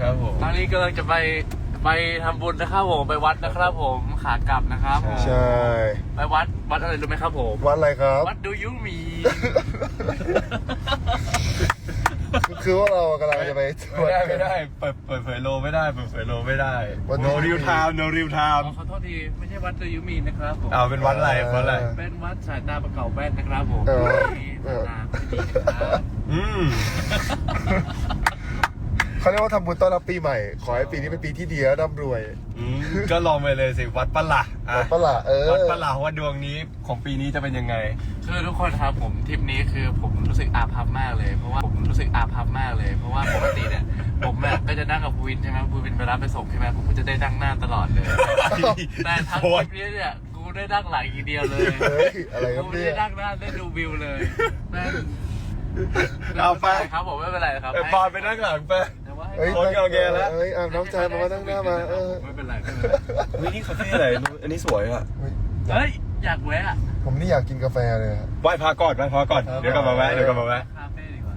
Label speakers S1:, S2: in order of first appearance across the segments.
S1: ครับผม
S2: ตอนนี้กำลังจะไปทำบุญนะครับผมไปวัดนะครับผมขากลับนะครับผม
S3: ใช่
S2: ไปวัดอะไรรู้ไหมครับผม
S3: วัดอะไรครับ
S2: วัดดูยูมี
S3: คือว่าเรากำลังจะไป
S1: ไม่ได้เปิดเผยโลไม่ได้เปิดเผยโลไม่ได้ no real time no real time
S2: ขอโทษทีไม่ใช่วัดดูยูมีนะครับผม
S1: เป็นวัดอะไรวัดอะไร
S2: เป็นวัดสายตาประเก่าแว่นนะครับผม
S3: เออ
S2: สายตาไม่ดีนะครับ
S3: เขาเรียกว่าทำบุญต้อนรับปีใหม่ ขอให้ปีนี้เป็นปีที่ดีและร่ำรวย
S1: ก็ลองไปเลยสิวัดปะละ
S3: วัดปะล่ะ
S1: วัดปะละว่าดวงนี้ของปีนี้จะเป็นยังไง
S2: คือทุกคนครับผมทริปนี้คือผมรู้สึกอาภัพมากเลยเพราะว่าปกติเนี่ยผมเนี่ยก็จะนั่งกับภูวินใช่ไหมภูวินไปรับไปส่งใช่ไหมผมก็จะได้นั่งหน้าตลอดเลยแต่ทั้งทริปนี้เนี่ยกูได้นั่งหลังอีกเดียวเลย
S3: เฮ้ยอะไรครับ
S2: กู
S3: เนี่
S2: ได้
S3: ย
S2: นั่งหน้าได้ดูวิวเลยแม่ง
S1: เอาไป
S2: ครับผมไม่เป็นไรครับ
S1: ปอนไปนั่งหลังไป
S2: แต่ว่าให้
S3: เฮ้ย
S1: โอเคแล้ว
S3: เฮ้ยน้องชายมานั่งหน้ามา
S2: ไม่เป็นไร
S1: วินี่คาเฟ่อะไรอันนี้สวยอ่ะ
S2: เฮ้ยอยากแวะ
S3: ผมนี่อยากกินกาแฟเลยครับ
S1: ไหว้พระก่อนเดี๋ยวกลับมาแวะ
S2: คาเฟ่ดีกว่า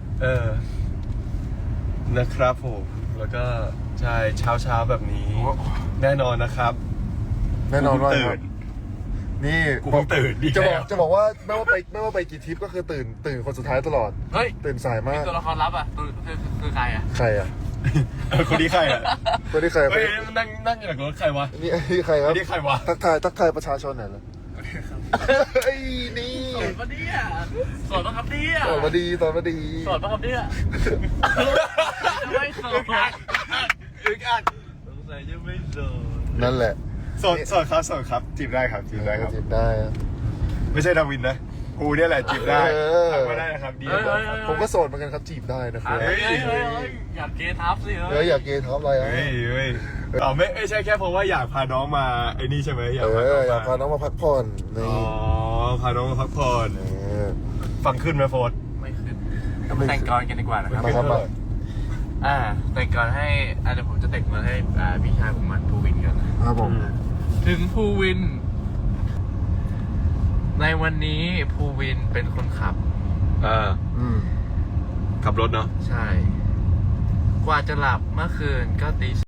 S1: นะครับผมแล้วก็ใช่เช้าแบบนี้แน่นอนนะครับ
S3: แน่นอนว่า
S1: ตื่
S3: ครับ
S1: น
S3: นี่
S1: กูเพิ่งตื่นดี
S3: จะบอกว่าไม่ว่าไปกี่ทริปก็คือตื่นคนสุดท้ายตลอด
S2: เฮ้ย
S3: ตื่นสายมาก
S2: ตัวละครลับอ่ะคือใครอ่ะ
S3: ใครอ่ะ
S1: คนนี้ใครอ่ะ
S3: คนที่ใคร
S1: เฮ้ยนั่งอยู่หลังรถใครวะ
S3: นี่ใครครับ
S1: นี่ใครวะ
S3: ทักทายประชาชนหน่อยเลยเฮ้ยนี่
S2: สดปะเนี่ยสดปะครับเนี่ย
S3: ตอนมาดี
S2: สดปะครับเนี่ยไม่สด
S1: อึกอัก
S2: สงสัยจะไม่สด
S3: นั่นแหละ
S1: สดครับจีบได้ครับ
S3: จีบได้อะ
S1: ไม่ใช่ดาวินนะกูเนี่ยแหละจีบได้ทำไม่ได้นะครับดี
S3: ผมก็โสดเหมือนกันครับจีบได้นะครับ
S2: เฮ้ยอยากเกทับสิ
S3: อยากเกย์ท็อปอะไรอ่ะ
S1: เฮ้ยไม่ใช่แค่เพราะว่าอยากพาน้องมาไอ้นี่ใช่ไหมอยากพาน้อง
S3: อยากพาน้องมาพักผ่อนนี่
S1: พาน้องมาพักผ่อนฟังขึ้นไหมโฟน
S2: ไม่ขึ้นมาแต่งกรกันดีกว่านะครับ
S3: มาครับมา
S2: แต่งกรให้เดี๋ยวผมจะแต่งมาให้พี่ชายผมมันภูวินกัน
S3: ครับผม
S2: ถึงภูวิน ในวันนี้ภูวินเป็นคนขับ
S1: ขับรถเนาะ
S2: ใช่ กว่าจะหลับเมื่อคืนก็ตี